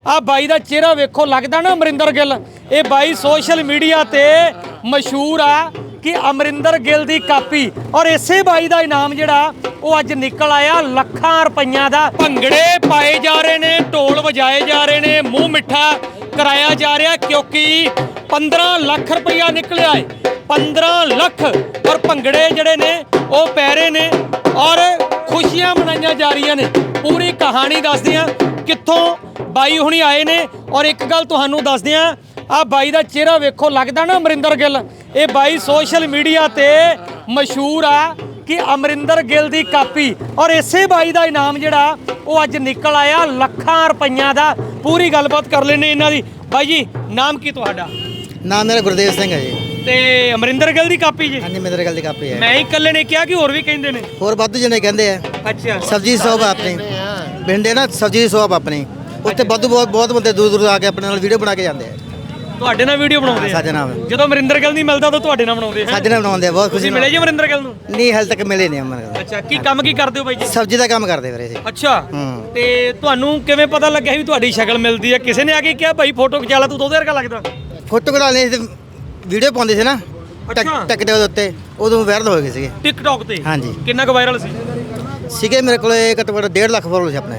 ਆ ਬਾਈ ਦਾ ਚਿਹਰਾ ਵੇਖੋ ਲੱਗਦਾ ਨਾ ਅਮਰਿੰਦਰ ਗਿੱਲ। ਇਹ ਬਾਈ ਸੋਸ਼ਲ ਮੀਡੀਆ ਤੇ ਮਸ਼ਹੂਰ ਆ ਕਿ ਅਮਰਿੰਦਰ ਗਿੱਲ ਦੀ ਕਾਪੀ ਔਰ ਇਸੇ ਬਾਈ ਦਾ ਇਨਾਮ ਜਿਹੜਾ ਉਹ ਅੱਜ ਨਿਕਲ ਆਇਆ ਲੱਖਾਂ ਰੁਪਈਆਂ ਦਾ। ਭੰਗੜੇ ਪਾਏ ਜਾ ਰਹੇ ਨੇ, ਢੋਲ ਵਜਾਏ ਜਾ ਰਹੇ ਨੇ, ਮੂੰਹ ਮਿੱਠਾ ਕਰਾਇਆ ਜਾ ਰਿਹਾ ਕਿਉਂਕਿ 15 ਲੱਖ ਰੁਪਈਆ ਨਿਕਲਿਆ ਏ। 15 ਲੱਖ ਔਰ ਭੰਗੜੇ ਜਿਹੜੇ ਨੇ ਉਹ ਪੈ ਰਹੇ ਨੇ ਔਰ ਖੁਸ਼ੀਆਂ ਮਨਾਈਆਂ ਜਾ ਰਹੀਆਂ ਨੇ। ਪੂਰੀ ਕਹਾਣੀ ਦੱਸਦੇ ਆ ਕਿੱਥੋਂ ਬਾਈ ਹੁਣੀ ਆਏ ਨੇ ਔਰ ਇੱਕ ਗੱਲ ਤੁਹਾਨੂੰ ਦੱਸਦੇ ਆ, ਆ ਬਾਈ ਦਾ ਚਿਹਰਾ ਵੇਖੋ ਲੱਗਦਾ ਨਾ ਅਮਰਿੰਦਰ ਗਿੱਲ। ਇਹ ਬਾਈ ਸੋਸ਼ਲ ਮੀਡੀਆ ਤੇ ਮਸ਼ਹੂਰ ਆ ਕਿ ਅਮਰਿੰਦਰ ਗਿੱਲ ਦੀ ਕਾਪੀ ਔਰ ਇਸੇ ਬਾਈ ਦਾ ਇਨਾਮ ਜਿਹੜਾ ਉਹ ਅੱਜ ਨਿਕਲ ਆਇਆ ਲੱਖਾਂ ਰੁਪਈਆਂ ਦਾ। ਪੂਰੀ ਗੱਲਬਾਤ ਕਰ ਲੈਣੇ ਇਹਨਾਂ ਦੀ। ਬਾਈ ਜੀ ਨਾਮ ਕੀ ਤੁਹਾਡਾ? ਨਾਮ ਮੇਰਾ ਗੁਰਦੇਵ ਸਿੰਘ ਹੈ ਜੀ। ਤੇ ਅਮਰਿੰਦਰ ਗਿੱਲ ਦੀ ਕਾਪੀ ਜੀ? ਹਾਂਜੀ ਅਮਰਿੰਦਰ ਗਿੱਲ ਦੀ ਕਾਪੀ ਹੈ। ਮੈਂ ਹੀ ਇਕੱਲੇ ਨੇ ਕਿਹਾ ਕਿ ਹੋਰ ਵੀ ਕਹਿੰਦੇ ਨੇ? ਹੋਰ ਵਾਧੂ ਜਣੇ ਕਹਿੰਦੇ ਆ। ਅੱਛਾ, ਸਬਜ਼ੀ ਸ਼ੌਪ ਆਪਣੀ ਬਿੰਡੇ ਨਾ, ਸਬਜ਼ੀ ਦੀ ਸ਼ੌਪ ਆਪਣੀ ਉੱਥੇ ਵਾਧੂ ਬਹੁਤ ਬੰਦੇ ਦੂਰ ਦੂਰ ਆ ਕੇ ਆਪਣੇ ਨਾਲ ਵੀਡੀਓ ਬਣਾ ਕੇ ਜਾਂਦੇ ਆ। ਤੁਹਾਡੇ ਨਾਲ ਵੀਡੀਓ ਬਣਾਉਂਦੇ ਆ? ਸਾਡੇ ਨਾਲ। ਜਦੋਂ ਅਮਰਿੰਦਰ ਗਿੱਲ ਨਹੀਂ ਮਿਲਦਾ ਤਾਂ ਤੁਹਾਡੇ ਨਾਲ ਬਣਾਉਂਦੇ ਆ? ਸਾਡੇ ਨਾਲ ਬਣਾਉਂਦੇ ਆ। ਬਹੁਤ ਖੁਸ਼ੀ ਮਿਲੇ ਜੀ ਅਮਰਿੰਦਰ ਗਿੱਲ ਨੂੰ? ਨਹੀਂ ਹਾਲੇ ਤੱਕ ਮਿਲੇ ਨਹੀਂ ਅਮਰਿੰਦਰ। ਅੱਛਾ, ਕੀ ਕੰਮ ਕੀ ਕਰਦੇ ਹੋ ਬਾਈ ਜੀ? ਸਬਜ਼ੀ ਦਾ ਕੰਮ ਕਰਦੇ ਵੀਰੇ ਜੀ। ਅੱਛਾ, ਤੇ ਤੁਹਾਨੂੰ ਕਿਵੇਂ ਪਤਾ ਲੱਗਿਆ ਵੀ ਤੁਹਾਡੀ ਸ਼ਕਲ ਮਿਲਦੀ ਹੈ? ਕਿਸੇ ਨੇ ਆ ਕੇ ਕਿਹਾ ਭਾਈ ਫੋਟੋ ਖਿਚਾ ਲਾ ਤੂੰ ਤਾਂ ਉਹਦੇ ਵਰਗਾ ਲੱਗਦਾ? ਫੋਟੋ ਕਢਾ ਲਈ ਵੀਡੀਓ ਪਾਉਂਦੇ ਸੀ ਨਾ ਟਿਕਟੌਕ ਦੇ ਉੱਤੇ, ਉਦੋਂ ਵਾਇਰਲ ਹੋ ਗਏ ਸੀਗੇ ਟਿਕਟੌਕ ਤੇ। ਹਾਂਜੀ। ਕਿੰਨਾ ਕੁ ਵਾਇਰਲ ਸੀ? ਸੀਗੇ ਮੇਰੇ ਕੋਲੇ ਘੱਟੋ ਘੱਟ 1.5 ਲੱਖ ਫੋਲੋਅਰ ਸੀ ਆਪਣੇ।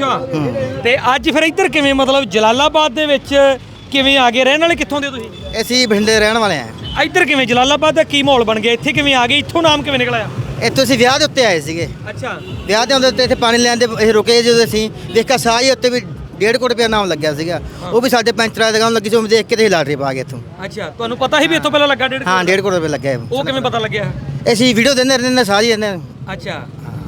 ਅੱਛਾ, ਤੇ ਅੱਜ ਫਿਰ ਇੱਧਰ ਕਿਵੇਂ, ਮਤਲਬ ਜਲਾਲਾਬਾਦ ਦੇ ਵਿੱਚ ਕਿਵੇਂ ਆ ਗਏ? ਰਹਿਣ ਵਾਲੇ ਕਿੱਥੋਂ ਦੇ ਤੁਸੀਂ? ਅਸੀਂ ਬਠਿੰਡੇ ਰਹਿਣ ਵਾਲੇ ਆ। ਇੱਧਰ ਕਿਵੇਂ ਜਲਾਲਾਬਾਦ ਦਾ ਕੀ ਮਾਹੌਲ ਬਣ ਗਿਆ? ਇੱਥੇ ਕਿਵੇਂ ਆ ਗਏ? ਇੱਥੋਂ ਨਾਮ ਕਿਵੇਂ ਨਿਕਲਿਆ? ਇੱਥੋਂ ਅਸੀਂ ਵਿਆਹ ਦੇ ਉੱਤੇ ਆਏ ਸੀਗੇ। ਅੱਛਾ, ਵਿਆਹ ਦੇ ਹੁੰਦੇ ਉੱਤੇ ਇੱਥੇ ਪਾਣੀ ਲੈਣ ਦੇ ਅਸੀਂ ਰੁਕੇ। ਜਦੋਂ ਅਸੀਂ ਦੇਖਿਆ ਸਾਹ ਹੀ ਉੱਤੇ ਵੀ 1.5 ਕਰੋੜ ਰੁਪਇਆ ਨਾਮ ਲੱਗਿਆ ਸੀਗਾ। ਉਹ ਵੀ ਸਾਡੇ ਪੈਂਚਰਾਂ ਦੇ ਕੰਮ ਲੱਗੀ ਸੀ। ਉਹ ਦੇਖ ਕੇ ਤੇ ਲਾਟਰੀ ਪਾ ਗਏ ਇੱਥੋਂ। ਅੱਛਾ, ਤੁਹਾਨੂੰ ਪਤਾ ਸੀ ਵੀ ਇੱਥੋਂ ਪਹਿਲਾਂ ਲੱਗਾ 1.5 ਹਾਂ 1.5 ਕਰੋੜ ਰੁਪਇਆ ਲੱਗਿਆ। ਉਹ ਕਿਵੇਂ ਪਤਾ ਲੱਗਿਆ? ਅਸੀਂ ਵੀਡੀਓ ਦਿੰਦੇ ਰਹਿੰਦੇ ਸਾਹ ਹੀ ਰਹਿੰਦੇ। ਅੱਛਾ,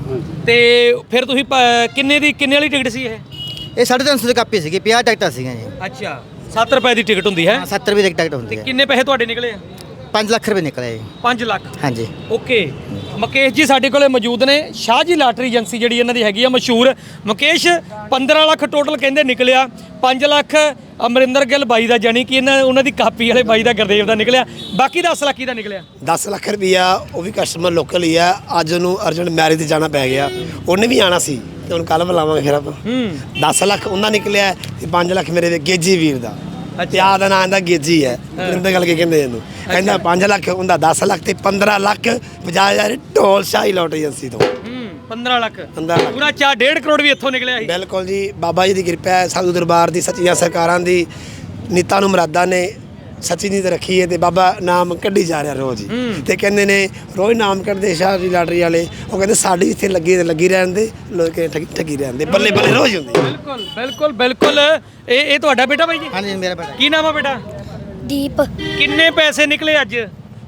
ਤੇ ਫਿਰ ਤੁਸੀਂ ਕਿੰਨੇ ਵਾਲੀ ਟਿਕਟ ਸੀ ਇਹ? ਇਹ 350 ਦੀ ਕਾਪੀ ਸੀਗੀ। 50 ਟਿਕਟਾਂ ਸੀਗੀਆਂ ਜੀ। ਅੱਛਾ, 7 ਰੁਪਏ ਦੀ ਟਿਕਟ ਹੁੰਦੀ ਹੈ? 70 ਰੁਪਏ ਦੀ ਟਿਕਟ ਹੁੰਦੀ ਹੈ। ਕਿੰਨੇ ਪੈਸੇ ਤੁਹਾਡੇ ਨਿਕਲੇ? 5 ਲੱਖ ਰੁਪਏ ਨਿਕਲੇ ਜੀ। 5 ਲੱਖ? ਹਾਂਜੀ। ਓਕੇ, ਮੁਕੇਸ਼ ਜੀ ਸਾਡੇ ਕੋਲੇ ਮੌਜੂਦ ਨੇ। ਸ਼ਾਹ ਜੀ ਲਾਟਰੀ ਏਜੰਸੀ ਜਿਹੜੀ ਇਹਨਾਂ ਦੀ ਹੈਗੀ ਆ ਮਸ਼ਹੂਰ। ਮੁਕੇਸ਼, 15 ਲੱਖ ਟੋਟਲ ਕਹਿੰਦੇ ਨਿਕਲਿਆ। 5 ਲੱਖ ਅਮਰਿੰਦਰ ਗਿੱਲ ਬਾਈ ਦਾ, ਜਾਨੀ ਕਿ ਉਹਨਾਂ ਦੀ ਕਾਪੀ ਵਾਲੇ ਬਾਈ ਦਾ, ਗੁਰਦੇਵ ਦਾ ਨਿਕਲਿਆ। ਬਾਕੀ 10 ਲੱਖ ਦਾ ਨਿਕਲਿਆ? 10 ਲੱਖ ਰੁਪਈਆ ਉਹ ਵੀ ਕਸਟਮਰ ਲੋਕਲ ਹੀ ਆ। ਅੱਜ ਉਹਨੂੰ ਅਰਜੈਂਟ ਮੈਰਿਜ ਤੇ ਜਾਣਾ ਪੈ ਗਿਆ। ਉਹਨੇ ਵੀ ਆਣਾ ਸੀ ਤੇ ਹੁਣ ਕੱਲ ਬੁਲਾਵਾਂਗੇ ਫਿਰ ਆਪਾਂ। 10 ਲੱਖ ਉਹਨਾਂ ਨਿਕਲਿਆ ਤੇ 5 ਲੱਖ ਮੇਰੇ ਗੇਜੀ ਵੀਰ ਦਾ। ਪਿਆ ਦਾ ਨਾਂ ਦਾ ਗੇਜੀ ਹੈ। ਅਮਰਿੰਦਰ ਗਿੱਲ ਕੇ ਕਹਿੰਦੇ ਇਹਨੂੰ। ਕਹਿੰਦਾ 5 ਲੱਖ ਉਹਦਾ, 10 ਲੱਖ ਤੇ 15 ਲੱਖ 50,000 ਢੋਲ ਸ਼ਾਹੀ ਲੋਟਰੀ ਏਜੰਸੀ ਤੋਂ। 15 ਲੱਖ 15 ਲੱਖ ਪੂਰਾ 1.5 ਕਰੋੜ ਵੀ ਇੱਥੋਂ ਨਿਕਲਿਆ ਸੀ? ਬਿਲਕੁਲ ਜੀ, ਬਾਬਾ ਜੀ ਦੀ ਕਿਰਪਾ ਹੈ, ਸਾਧੂ ਦਰਬਾਰ ਦੀ, ਸੱਚੀਆਂ ਸਰਕਾਰਾਂ ਦੀ, ਨੀਤਾਂ ਨੂੰ ਮੁਰਾਦਾਂ ਨੇ ਸੱਚੀ ਨੀਤ ਰੱਖੀ ਹੈ ਤੇ ਬਾਬਾ ਨਾਮ ਕੱਢੀ ਜਾ ਰਿਹਾ ਰੋਜ਼ ਹੀ। ਤੇ ਕਹਿੰਦੇ ਨੇ ਰੋਜ਼ ਨਾਮ ਕੱਢਦੇ ਸ਼ਾਹ ਦੀ ਲਾਟਰੀ ਵਾਲੇ। ਉਹ ਕਹਿੰਦੇ ਸਾਡੀ ਇੱਥੇ ਲੱਗੀ ਰਹਿਣ ਦੇ, ਲੋਕ ਠੱਗੀ ਰਹਿਣ ਦੇ, ਬੱਲੇ ਬੱਲੇ ਰੋਜ਼ ਹੁੰਦੀ। ਬਿਲਕੁਲ ਬਿਲਕੁਲ ਬਿਲਕੁਲ। ਇਹ ਤੁਹਾਡਾ ਬੇਟਾ ਬਾਈ ਜੀ? ਹਾਂਜੀ ਮੇਰਾ ਬੇਟਾ। ਕੀ ਨਾਮ ਆ ਬੇਟਾ? ਦੀਪ। ਕਿੰਨੇ ਪੈਸੇ ਨਿਕਲੇ ਅੱਜ?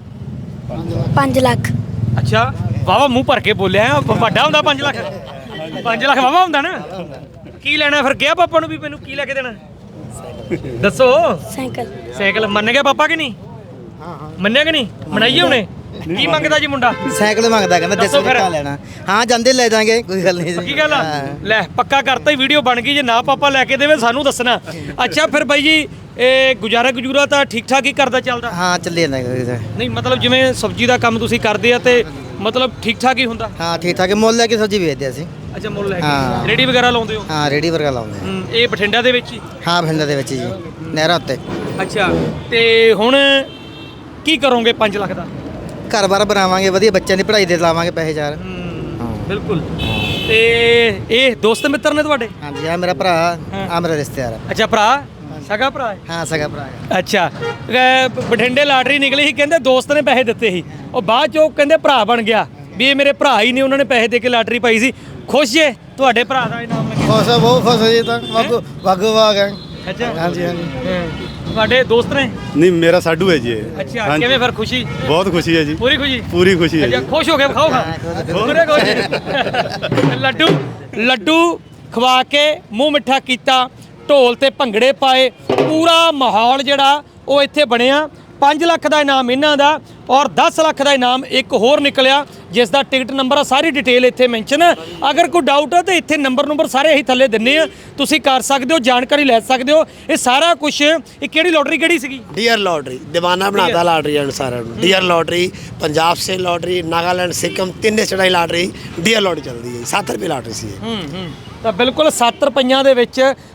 5 ਲੱਖ। ਅੱਛਾ, ਵਾਵਾ ਮੂੰਹ ਭਰ ਕੇ ਬੋਲਿਆ। ਵੱਡਾ ਹੁੰਦਾ 5 ਲੱਖ? 5 ਲੱਖ ਵਾਵਾ ਹੁੰਦਾ ਨਾ। ਕੀ ਲੈਣਾ ਫਿਰ? ਗਿਆ ਪਾਪਾ ਨੂੰ ਵੀ ਮੈਨੂੰ ਕੀ ਲੈ ਕੇ ਦੇਣਾ? ਦੱਸੋ। ਸਾਈਕਲ। ਸਾਈਕਲ ਮੰਨ ਗਿਆ ਪਾਪਾ ਕਿ ਨਹੀਂ? ਮੰਨਿਆ ਕਿ ਨਹੀਂ? ਮਨਾਈਏ ਹੁਣੇ। ਕੀ ਮੰਗਦਾ ਜੀ ਮੁੰਡਾ? ਸਾਈਕਲ ਮੰਗਦਾ, ਕਹਿੰਦਾ ਦੱਸੋ ਫਿਰ। ਦੱਸੋ ਲੈਣਾ। ਹਾਂ ਜਾਂਦੇ ਲੈ ਜਾਾਂਗੇ, ਕੋਈ ਗੱਲ ਨਹੀਂ। ਕੀ ਗੱਲ ਆ? ਲੈ ਪੱਕਾ ਕਰਤਾ ਹੀ, ਵੀਡੀਓ ਬਣ ਗਈ। ਜੇ ਨਾ ਪਾਪਾ ਲੈ ਕੇ ਦੇਵੇ ਸਾਨੂੰ ਦੱਸਣਾ। ਅੱਛਾ, ਫਿਰ ਬਾਈ ਜੀ ਇਹ ਗੁਜ਼ਾਰਾ ਤਾਂ ਠੀਕ ਠਾਕ ਹੀ ਕਰਦਾ ਚੱਲਦਾ? ਹਾਂ ਚੱਲੀ ਜਾਂਦਾ। ਨਹੀਂ ਮਤਲਬ ਜਿਵੇਂ ਸਬਜ਼ੀ ਦਾ ਕੰਮ ਤੁਸੀਂ ਕਰਦੇ ਆ ਤੇ ਮਤਲਬ ਠੀਕ ਠਾਕ ਹੀ ਹੁੰਦਾ? ਹਾਂ ਠੀਕ ਠਾਕ। ਮੁੱਲ ਲੈ ਕੇ ਸਬਜ਼ੀ ਵੇਚਦੇ ਅਸੀਂ। ਅੱਛਾ, ਮੁੱਲ ਲੈ ਹਾਂ। ਕੇ ਰੇੜੀ ਵਗੈਰਾ ਲਾਉਂਦੇ ਹੋ? ਹਾਂ ਰੇੜੀ ਵਰਗਾ ਲਾਉਂਦੇ। ਇਹ ਬਠਿੰਡਾ ਦੇ ਵਿੱਚ ਹੀ? ਹਾਂ ਬਠਿੰਡਾ ਦੇ ਵਿੱਚ ਜੀ, ਨਹਿਰਾਂ ਉੱਤੇ। ਅੱਛਾ, ਤੇ ਹੁਣ ਕੀ ਕਰੋਗੇ 5 ਲੱਖ ਦਾ? ਘਰ-ਬਾਰ ਬਣਾਵਾਂਗੇ, ਵਧੀਆ ਬੱਚਿਆਂ ਦੀ ਪੜ੍ਹਾਈ ਦੇ ਲਾਵਾਂਗੇ ਪੈਸੇ ਚਾਰ। ਬਿਲਕੁਲ। ਤੇ ਇਹ ਦੋਸਤ ਮਿੱਤਰ ਨੇ ਤੁਹਾਡੇ? ਹਾਂਜੀ ਆ ਮੇਰਾ ਭਰਾ, ਆ ਮੇਰਾ ਰਿਸ਼ਤੇਦਾਰ। ਅੱਛਾ, ਭਰਾ ਸਗਾ ਭਰਾ ਹੈ? ਹਾਂ ਸਗਾ ਭਰਾ ਹੈ। ਅੱਛਾ, ਬਠਿੰਡੇ ਲਾਟਰੀ ਨਿਕਲੀ ਸੀ, ਕਹਿੰਦੇ ਦੋਸਤ ਨੇ ਪੈਸੇ ਦਿੱਤੇ ਸੀ, ਉਹ ਬਾਅਦ ਚੋਂ ਕਹਿੰਦੇ ਭਰਾ ਬਣ ਗਿਆ ਵੀ ਇਹ ਮੇਰੇ ਭਰਾ ਹੀ ਨੇ, ਉਹਨਾਂ ਨੇ ਪੈਸੇ ਦੇ ਕੇ ਲਾਟਰੀ ਪਾਈ ਸੀ। ਖੁਸ਼ ਜੇ ਤੁਹਾਡੇ ਭਰਾ ਦਾ ਇਨਾਮ ਲੱਗਿਆ? ਖੁਸ਼ ਆ, ਬਹੁਤ ਖੁਸ਼ ਜੀ। ਤਾਂ ਵਾਗੂ ਵਾਗ ਹੈ। ਅੱਛਾ, ਹਾਂਜੀ ਹਾਂਜੀ। ਤੁਹਾਡੇ ਦੋਸਤ ਨੇ? ਨਹੀਂ ਮੇਰਾ ਸਾਡੂ ਹੈ ਜੀ ਇਹ। ਅੱਛਾ, ਕਿਵੇਂ ਫਿਰ ਖੁਸ਼ੀ? ਬਹੁਤ ਖੁਸ਼ੀ ਹੈ ਜੀ। ਪੂਰੀ ਖੁਸ਼ੀ? ਪੂਰੀ ਖੁਸ਼ੀ ਹੈ ਅੱਛਾ, ਜੀ। ਖੁਸ਼ ਹੋ ਕੇ ਖਾਓ ਪੂਰੇ ਖੁਸ਼। ਲੱਡੂ ਖਵਾ ਕੇ ਮੂੰਹ ਮਿੱਠਾ ਕੀਤਾ, ਢੋਲ ਤੇ ਭੰਗੜੇ ਪਾਏ, ਪੂਰਾ ਮਾਹੌਲ ਜਿਹੜਾ ਉਹ ਇੱਥੇ ਬਣਿਆ। 5 ਲੱਖ ਦਾ ਇਨਾਮ ਇਹਨਾਂ ਦਾ ਔਰ 10 ਲੱਖ ਦਾ ਇਨਾਮ ਇੱਕ ਹੋਰ ਨਿਕਲਿਆ ਜਿਸ ਦਾ ਟਿਕਟ ਨੰਬਰ ਆ, ਸਾਰੀ ਡਿਟੇਲ ਇੱਥੇ ਮੈਂਸ਼ਨ। ਅਗਰ ਕੋਈ ਡਾਊਟ ਹੈ ਤਾਂ ਇੱਥੇ ਨੰਬਰ ਸਾਰੇ ਅਸੀਂ ਥੱਲੇ ਦਿੰਨੇ ਆ, ਤੁਸੀਂ ਕਰ ਸਕਦੇ ਹੋ, ਜਾਣਕਾਰੀ ਲੈ ਸਕਦੇ ਹੋ। ਇਹ ਸਾਰਾ ਕੁਝ। ਇਹ ਕਿਹੜੀ ਲੋਟਰੀ ਕਿਹੜੀ ਸੀਗੀ? ਡੀਅਰ ਲੋਟਰੀ ਦੀਵਾਨਾ ਬਣਾਤਾ ਲਾਟਰੀ ਵਾਲੇ ਸਾਰਿਆਂ ਨੂੰ। ਡੀਅਰ ਲੋਟਰੀ, ਪੰਜਾਬ ਸੇ ਲੋਟਰੀ, ਨਾਗਾਲੈਂਡ, ਸਿੱਕਮ, ਤਿੰਨੇ ਚੜਾਈ ਲਾਟਰੀ ਡੀਅਰ ਲੋਟਰੀ ਚੱਲਦੀ ਹੈ। 7 ਰੁਪਏ ਲਾਟਰੀ ਸੀ ਇਹ। ਤਾਂ ਬਿਲਕੁਲ 7 ਰੁਪਈਆਂ ਦੇ ਵਿੱਚ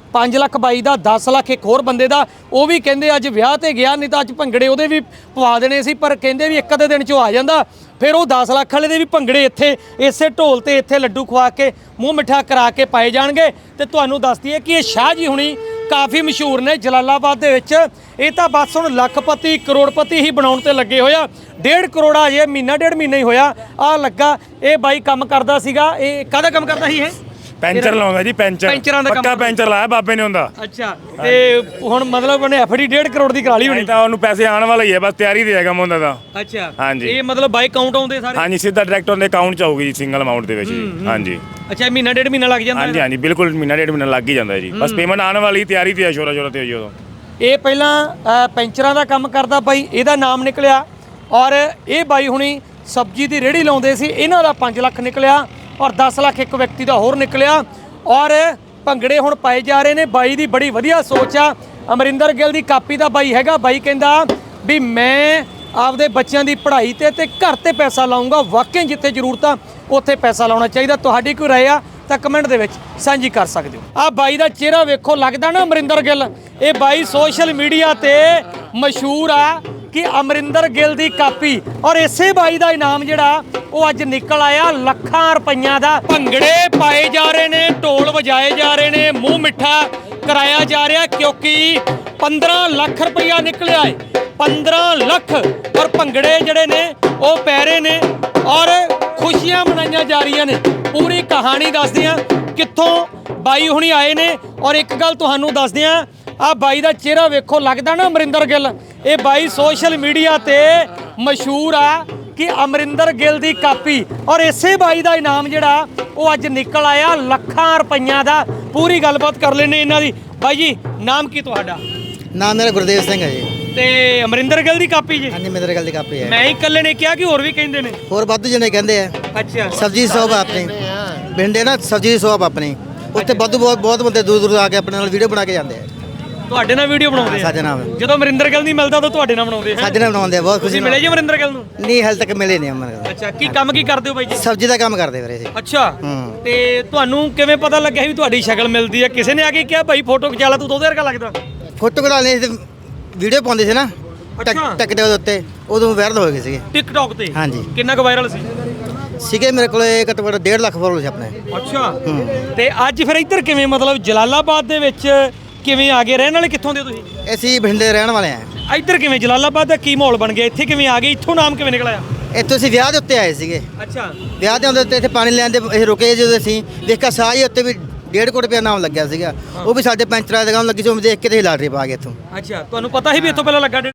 5 ਲੱਖ ਬਾਈ ਦਾ, 10 ਲੱਖ ਇੱਕ ਹੋਰ ਬੰਦੇ ਦਾ। ਉਹ ਵੀ ਕਹਿੰਦੇ ਅੱਜ ਵਿਆਹ ਤੇ ਗਿਆ, ਨਹੀਂ ਤਾਂ ਅੱਜ ਭੰਗੜੇ ਉਹਦੇ ਵੀ ਪਵਾ ਦੇਣੇ ਸੀ, ਪਰ ਕਹਿੰਦੇ ਵੀ ਇੱਕ ਅੱਧੇ ਦਿਨ 'ਚੋਂ ਆ ਜਾਂਦਾ। ਫਿਰ ਉਹ 10 ਲੱਖ ਵਾਲੇ ਦੇ ਵੀ ਭੰਗੜੇ ਇੱਥੇ ਇਸੇ ਢੋਲ ਤੇ ਇੱਥੇ ਲੱਡੂ ਖਵਾ ਕੇ ਮੂੰਹ ਮਿੱਠਾ ਕਰਾ ਕੇ ਪਾਏ ਜਾਣਗੇ। ਤੇ ਤੁਹਾਨੂੰ ਦੱਸ ਦਈਏ ਕਿ ਇਹ ਸ਼ਾਹ ਜੀ ਹੁਣੀ ਕਾਫੀ ਮਸ਼ਹੂਰ ਨੇ ਜਲਾਲਾਬਾਦ ਦੇ ਵਿੱਚ। ਇਹ ਤਾਂ ਬਸ ਹੁਣ ਲੱਖਪਤੀ ਕਰੋੜਪਤੀ ਹੀ ਬਣਾਉਣ ਤੇ ਲੱਗੇ ਹੋਇਆ। 1.5 ਕਰੋੜ ਅਜੇ ਮਹੀਨਾ ਡੇਢ ਮਹੀਨਾ ਹੀ ਹੋਇਆ ਆ ਲੱਗਾ। ਇਹ ਬਾਈ ਕੰਮ ਕਰਦਾ ਸੀਗਾ, ਇਹ ਕਾਹਦਾ ਕੰਮ ਕਰਦਾ ਸੀ ਇਹ? ਪੈਂਚਰ ਲਾਉਂਦਾ ਜੀ, ਪੈਂਚਰਾਂ ਦਾ ਕੰਮ। ਪੱਕਾ ਪੈਂਚਰ ਲਾਇਆ ਬਾਬੇ ਨੇ ਹੁੰਦਾ। ਅੱਛਾ, ਤੇ ਹੁਣ ਮਤਲਬ ਉਹਨੇ ਐਫਡੀ 1.5 ਕਰੋੜ ਦੀ ਕਰਾ ਲਈ ਹੋਣੀ। ਤਾਂ ਉਹਨੂੰ ਪੈਸੇ ਆਉਣ ਵਾਲਾ ਹੀ ਹੈ, ਬਸ ਤਿਆਰੀ ਤੇ ਹੈਗਾ ਮੁੰਡਾ ਦਾ। ਅੱਛਾ, ਹਾਂਜੀ। ਇਹ ਮਤਲਬ ਬਾਈ ਕਾਊਂਟ ਆਉਂਦੇ ਸਾਰੇ? ਹਾਂਜੀ, ਸਿੱਧਾ ਡਾਇਰੈਕਟ ਉਹਦੇ ਅਕਾਊਂਟ 'ਚ ਆਊਗੀ ਜੀ, ਸਿੰਗਲ ਅਮਾਉਂਟ ਦੇ ਵਿੱਚ ਜੀ। ਹਾਂਜੀ। ਅੱਛਾ, ਮਹੀਨਾ ਡੇਢ ਮਹੀਨਾ ਲੱਗ ਜਾਂਦਾ? ਹਾਂਜੀ ਹਾਂਜੀ, ਬਿਲਕੁਲ ਮਹੀਨਾ ਡੇਢ ਮਹੀਨਾ ਲੱਗ ਹੀ ਜਾਂਦਾ ਜੀ। ਬਸ ਪੇਮੈਂਟ ਆਉਣ ਵਾਲੀ, ਤਿਆਰੀ ਤੇ ਹੈ, ਸ਼ੋਰਾ ਸ਼ੋਰਾ ਤੇ ਹੋਈ ਉਦੋਂ। ਇਹ ਪਹਿਲਾਂ ਪੈਂਚਰਾਂ ਦਾ ਕੰਮ ਕਰਦਾ ਬਾਈ, ਇਹਦਾ ਨਾਮ ਨਿਕਲਿਆ। ਔਰ ਇਹ ਬਾਈ ਹੁਣੀ ਸਬਜ਼ੀ ਦੀ ਰੇਹੜੀ ਲਾਉਂਦੇ ਸੀ, ਇਹਨਾਂ ਦਾ 5 ਲੱਖ ਨਿਕਲਿਆ ਔਰ 10 ਲੱਖ ਇੱਕ ਵਿਅਕਤੀ ਦਾ ਹੋਰ ਨਿਕਲਿਆ। ਔਰ ਭੰਗੜੇ ਹੁਣ ਪਾਏ ਜਾ ਰਹੇ ਨੇ। ਬਾਈ ਦੀ ਬੜੀ ਵਧੀਆ ਸੋਚ ਆ। ਅਮਰਿੰਦਰ ਗਿੱਲ ਦੀ ਕਾਪੀ ਦਾ ਬਾਈ ਹੈਗਾ। ਬਾਈ ਕਹਿੰਦਾ ਵੀ ਮੈਂ ਆਪਦੇ ਬੱਚਿਆਂ ਦੀ ਪੜ੍ਹਾਈ ਤੇ ਘਰ ਤੇ ਪੈਸਾ ਲਾਉਂਗਾ। ਵਾਕਈ ਜਿੱਥੇ ਜ਼ਰੂਰਤ ਆ ਉੱਥੇ ਪੈਸਾ ਲਾਉਣਾ ਚਾਹੀਦਾ। ਤੁਹਾਡੀ ਕੋਈ ਰਾਏ ਆ ਤਾਂ ਕਮੈਂਟ ਦੇ ਵਿੱਚ ਸਾਂਝੀ ਕਰ ਸਕਦੇ ਹੋ। ਆ ਬਾਈ ਦਾ ਚਿਹਰਾ ਵੇਖੋ, ਲੱਗਦਾ ਨਾ ਅਮਰਿੰਦਰ ਗਿੱਲ। ਇਹ ਬਾਈ ਸੋਸ਼ਲ ਮੀਡੀਆ ਤੇ ਮਸ਼ਹੂਰ ਆ ਕਿ ਅਮਰਿੰਦਰ ਗਿੱਲ ਦੀ ਕਾਪੀ। ਔਰ ਇਸੇ ਬਾਈ ਦਾ ਇਨਾਮ ਜਿਹੜਾ ਉਹ ਅੱਜ ਨਿਕਲ ਆਇਆ ਲੱਖਾਂ ਰੁਪਈਆਂ ਦਾ। ਭੰਗੜੇ ਪਾਏ ਜਾ ਰਹੇ ਨੇ, ਢੋਲ ਵਜਾਏ ਜਾ ਰਹੇ ਨੇ, ਮੂੰਹ ਮਿੱਠਾ ਕਰਾਇਆ ਜਾ ਰਿਹਾ, ਕਿਉਂਕਿ 15 ਲੱਖ ਰੁਪਈਆ ਨਿਕਲਿਆ ਏ। 15 ਲੱਖ। ਔਰ ਭੰਗੜੇ ਜਿਹੜੇ ਨੇ ਉਹ ਪੈ ਰਹੇ ਨੇ ਔਰ ਖੁਸ਼ੀਆਂ ਮਨਾਈਆਂ ਜਾ ਰਹੀਆਂ ਨੇ। ਪੂਰੀ ਕਹਾਣੀ ਦੱਸਦੇ ਆ ਕਿੱਥੋਂ ਬਾਈ ਹੁਣੀ ਆਏ ਨੇ। ਔਰ ਇੱਕ ਗੱਲ ਤੁਹਾਨੂੰ ਦੱਸਦੇ ਆ, ਆ ਬਾਈ ਦਾ ਚਿਹਰਾ ਵੇਖੋ, ਲੱਗਦਾ ਨਾ ਅਮਰਿੰਦਰ ਗਿੱਲ। ਇਹ ਬਾਈ ਸੋਸ਼ਲ ਮੀਡੀਆ ਤੇ ਮਸ਼ਹੂਰ ਆ ਕਿ ਅਮਰਿੰਦਰ ਗਿੱਲ ਦੀ ਕਾਪੀ। ਔਰ ਇਸੇ ਬਾਈ ਦਾ ਇਨਾਮ ਜਿਹੜਾ ਉਹ ਅੱਜ ਨਿਕਲ ਆਇਆ ਲੱਖਾਂ ਰੁਪਈਆਂ ਦਾ। ਪੂਰੀ ਗੱਲਬਾਤ ਕਰ ਲੈਣੇ ਇਹਨਾਂ ਦੀ। ਬਾਈ ਜੀ, ਨਾਮ ਕੀ ਤੁਹਾਡਾ? ਨਾਮ ਮੇਰਾ ਗੁਰਦੇਵ ਸਿੰਘ ਹੈ ਜੀ। ਤੇ ਅਮਰਿੰਦਰ ਗਿੱਲ ਦੀ ਕਾਪੀ ਜੀ? ਹਾਂਜੀ, ਮੇਰੇ ਗੱਲ ਦੀ ਕਾਪੀ ਹੈ। ਮੈਂ ਹੀ ਇਕੱਲੇ ਨੇ ਕਿਹਾ ਕਿ ਹੋਰ ਵੀ ਕਹਿੰਦੇ ਨੇ? ਹੋਰ ਵਾਧੂ ਜਣੇ ਕਹਿੰਦੇ ਆ। ਅੱਛਾ, ਸਬਜ਼ੀ ਦੀ ਸ਼ੌਪ ਆ ਆਪਣੀ ਬਿੰਡੇ ਨਾ, ਸਬਜ਼ੀ ਦੀ ਸ਼ੌਪ ਆਪਣੀ। ਉੱਥੇ ਵਾਧੂ ਬਹੁਤ ਬੰਦੇ ਦੂਰ ਦੂਰ ਆ ਕੇ ਆਪਣੇ ਨਾਲ ਵੀਡੀਓ ਬਣਾ ਕੇ ਜਾਂਦੇ ਆ। ਤੁਹਾਡੇ ਨਾਲ ਵੀਡੀਓ ਬਣਾਉਂਦੇ ਆ? ਸਾਡੇ ਨਾਲ। ਜਦੋਂ ਅਮਰਿੰਦਰ ਗਿੱਲ ਨਹੀਂ ਮਿਲਦਾ ਤਾਂ ਤੁਹਾਡੇ ਨਾਲ ਬਣਾਉਂਦੇ ਆ? ਸਾਡੇ ਨਾਲ ਬਣਾਉਂਦੇ ਆ, ਬਹੁਤ ਖੁਸ਼ੀ ਤੁਸੀਂ ਮਿਲੇ ਜੀ ਅਮਰਿੰਦਰ ਗਿੱਲ ਨੂੰ? ਨਹੀਂ, ਹਾਲੇ ਤੱਕ ਮਿਲੇ ਨਹੀਂ ਅਮਰ। ਅੱਛਾ, ਕੀ ਕੰਮ ਕੀ ਕਰਦੇ ਹੋ ਬਾਈ ਜੀ? ਸਬਜ਼ੀ ਦਾ ਕੰਮ ਕਰਦੇ ਵੀਰੇ ਜੀ। ਅੱਛਾ, ਤੇ ਤੁਹਾਨੂੰ ਕਿਵੇਂ ਪਤਾ ਲੱਗਿਆ ਵੀ ਤੁਹਾਡੀ ਸ਼ਕਲ ਮਿਲਦੀ ਹੈ? ਕਿਸੇ ਨੇ ਆ ਕੇ ਕਿਹਾ ਭਾਈ ਫੋਟੋ ਖਿਚਾ ਲੈ, ਤੂੰ ਉਹਦੇ ਵਰਗਾ ਲੱਗਦਾ? ਫੋਟੋ ਕਢਾ ਲਈ ਤੇ ਵੀਡੀਓ ਪਾਉਂਦੇ ਸੀ ਨਾ ਟਿਕ ਦੇ ਉੱਤੇ, ਉਦੋਂ ਵਾਇਰਲ ਹੋ ਗਏ ਸੀਗੇ ਟਿਕਟੌਕ ਤੇ। ਹਾਂਜੀ। ਕਿੰਨਾ ਕੁ ਵਾਇਰਲ ਸੀ? ਸੀਗੇ ਮੇਰੇ ਕੋਲੇ ਘੱਟੋ ਘੱਟ 1.5 ਲੱਖ ਫੋਲੋਅਰ ਸੀ ਆਪਣੇ। ਅੱਛਾ, ਤੇ ਅੱਜ ਫਿਰ ਇੱਧਰ ਕਿਵੇਂ, ਮਤਲਬ ਜਲਾਲਾਬਾਦ ਦੇ ਵਿੱਚ ਕਿਵੇਂ ਆ ਗਏ? ਰਹਿਣ ਵਾਲੇ ਕਿੱਥੋਂ ਦੇ ਤੁਸੀਂ? ਅਸੀਂ ਬਠਿੰਡੇ ਰਹਿਣ ਵਾਲੇ ਆ। ਇੱਧਰ ਕਿਵੇਂ ਜਲਾਲਾਬਾਦ ਦਾ ਕੀ ਮਾਹੌਲ ਬਣ ਗਿਆ? ਇੱਥੇ ਕਿਵੇਂ ਆ ਗਏ? ਇੱਥੋਂ ਨਾਮ ਕਿਵੇਂ ਨਿਕਲਿਆ? ਇੱਥੋਂ ਅਸੀਂ ਵਿਆਹ ਦੇ ਉੱਤੇ ਆਏ ਸੀਗੇ। ਅੱਛਾ, ਵਿਆਹ ਦੇ ਉੱਤੇ ਇੱਥੇ ਪਾਣੀ ਲੈਣ ਦੇ ਇਹ ਰੁਕੇ ਜਦੋਂ ਅਸੀਂ ਦੇਖਿਆ ਸਾਹ ਹੀ ਉੱਤੇ ਵੀ 1.5 ਕਰੋੜ ਰੁਪਇਆ ਨਾਮ ਲੱਗਿਆ ਸੀਗਾ। ਉਹ ਵੀ ਸਾਡੇ ਪੈਂਚਰਾਂ ਦੀ ਦੁਕਾਨ ਲੱਗੀ ਸੀ, ਉਹ ਦੇਖ ਕੇ ਤੇ ਲਾਟਰੀ ਪਾ ਗਏ ਇੱਥੋਂ। ਅੱਛਾ, ਤੁਹਾਨੂੰ ਪਤਾ ਸੀ ਵੀ ਇੱਥੋਂ ਪਹਿਲਾਂ ਲੱਗਾ?